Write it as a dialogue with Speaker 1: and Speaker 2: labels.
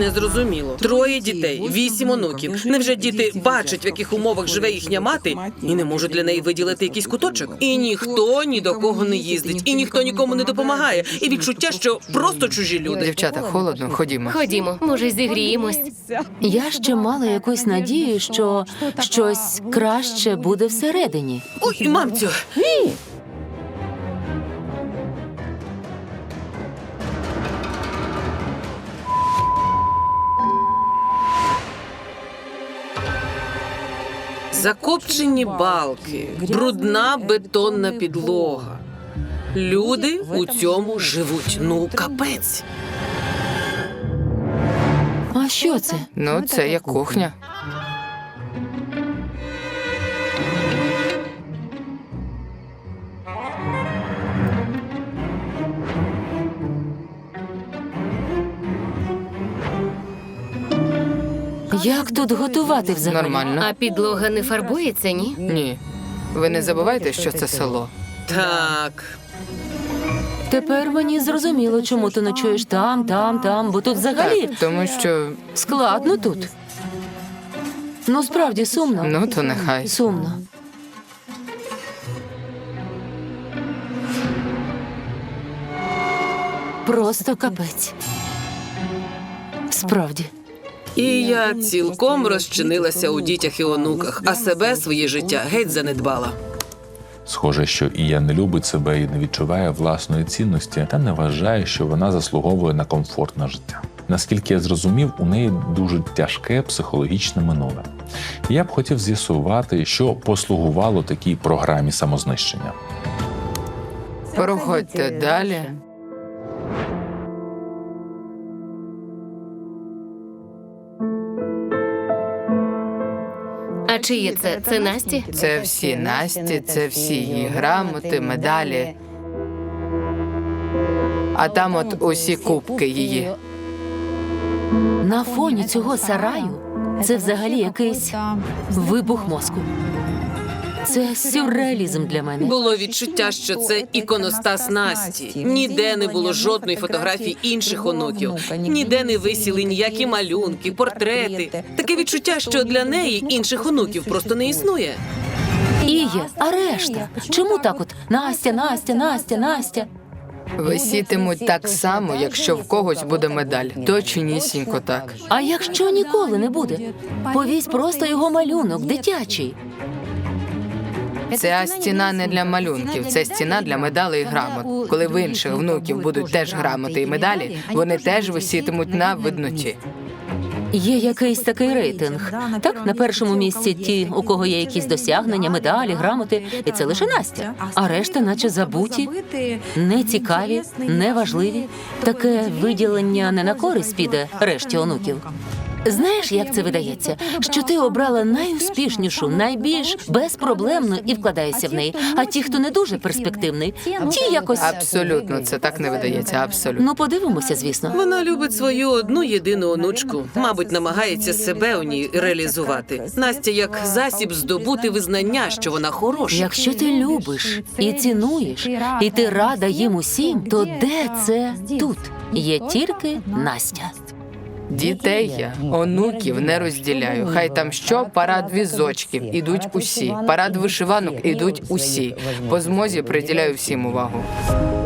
Speaker 1: Незрозуміло. 3 дітей, 8 онуків. Невже діти бачать, в яких умовах живе їхня мати, і не можуть для неї виділити якийсь куточок? І ніхто ні до кого не їздить, і ніхто нікому не допомагає. І відчуття, що просто чужі люди.
Speaker 2: Дівчата, холодно, ходімо.
Speaker 3: Ходімо, може, зігріємось.
Speaker 4: Я ще мала якусь надію, що щось краще буде всередині.
Speaker 1: Ой, мамцю! Закопчені балки, брудна бетонна підлога. Люди у цьому живуть. Ну, капець.
Speaker 4: А що це?
Speaker 2: Ну, це як кухня.
Speaker 4: Як тут готувати взагалі?
Speaker 2: Нормально.
Speaker 3: А підлога не фарбується, ні?
Speaker 2: Ні. Ви не забувайте, що це село.
Speaker 1: Так.
Speaker 4: Тепер мені зрозуміло, чому ти ночуєш там, бо тут взагалі
Speaker 2: Так, тому що...
Speaker 4: складно тут. Ну, справді сумно.
Speaker 2: Ну, то нехай.
Speaker 4: Сумно. Просто капець. Справді.
Speaker 1: І я цілком розчинилася у дітях і онуках, а себе, своє життя, геть занедбала.
Speaker 5: Схоже, що Ія не любить себе і не відчуває власної цінності, та не вважає, що вона заслуговує на комфортне життя. Наскільки я зрозумів, у неї дуже тяжке психологічне минуле. І я б хотів з'ясувати, що послугувало такій програмі самознищення.
Speaker 2: Проходьте далі.
Speaker 3: А чиє це? Це Насті?
Speaker 2: Це всі Насті, це всі її грамоти, медалі. А там от усі кубки її.
Speaker 4: На фоні цього сараю це взагалі якийсь вибух мозку. Це сюрреалізм для мене.
Speaker 1: Було відчуття, що це іконостас Насті. Ніде не було жодної фотографії інших онуків. Ніде не висіли ніякі малюнки, портрети. Таке відчуття, що для неї інших онуків просто не існує.
Speaker 4: Іє, а решта? Чому так от Настя?
Speaker 2: Висітимуть так само, якщо в когось буде медаль. Точнісінько так.
Speaker 4: А якщо ніколи не буде? Повісь просто його малюнок, дитячий.
Speaker 2: Ця стіна не для малюнків, це стіна для медалей і грамот. Коли в інших внуків будуть теж грамоти і медалі, вони теж висітимуть на видноті.
Speaker 4: Є якийсь такий рейтинг. Так, на першому місці ті, у кого є якісь досягнення, медалі, грамоти, і це лише Настя. А решта наче забуті, нецікаві, неважливі. Таке виділення не на користь піде решті онуків. Знаєш, як це видається? Що ти обрала найуспішнішу, найбільш безпроблемну і вкладаєшся в неї. А ті, хто не дуже перспективний, ті якось...
Speaker 2: Абсолютно, це так не видається, абсолютно.
Speaker 4: Ну, подивимося, звісно.
Speaker 1: Вона любить свою одну єдину онучку. Мабуть, намагається себе у ній реалізувати. Настя як засіб здобути визнання, що вона хороша.
Speaker 4: Якщо ти любиш і цінуєш, і ти рада їм усім, то де це тут? Є тільки Настя.
Speaker 2: Дітей я, онуків не розділяю. Хай там що, парад візочків, ідуть усі. Парад вишиванок, ідуть усі. По змозі приділяю всім увагу.